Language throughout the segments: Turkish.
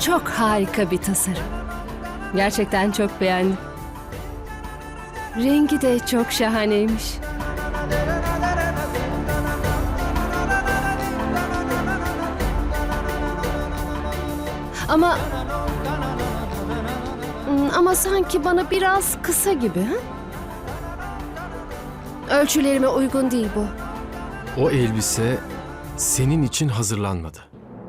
çok harika bir tasarım. Gerçekten çok beğendim. Rengi de çok şahaneymiş. Ama sanki bana biraz kısa gibi, ha? Ölçülerime uygun değil bu. O elbise senin için hazırlanmadı.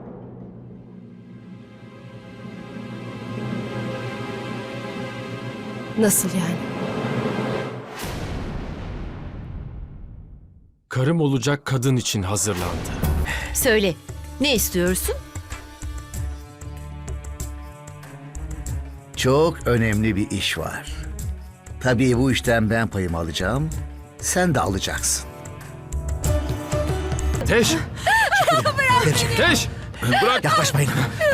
Nasıl yani? Karım olacak kadın için hazırlandı. Söyle, ne istiyorsun? Çok önemli bir iş var. Tabii bu işten ben payımı alacağım. Sen de alacaksın. Teş! Teş! Bırak! Yaklaşmayın.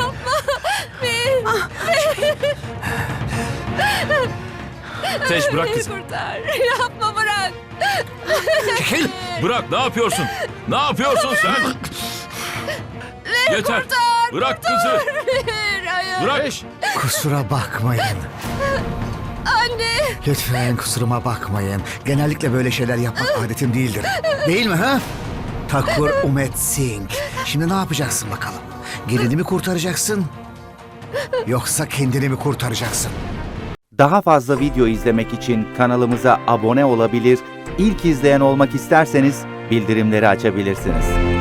Teş bırak kızı. Kurtar, yapma bırak. Çekil. Bırak, ne yapıyorsun? Ne yapıyorsun sen? Yeter! Bırak kızı! Hayır. Bırak! Kusura bakmayın. Anne. Lütfen kusuruma bakmayın. Genellikle böyle şeyler yapmak adetim değildir. Değil mi ha? Thakur Umet Singh. Şimdi ne yapacaksın bakalım? Gelini mi kurtaracaksın? Yoksa kendini mi kurtaracaksın? Daha fazla video izlemek için kanalımıza abone olabilir, ilk izleyen olmak isterseniz bildirimleri açabilirsiniz.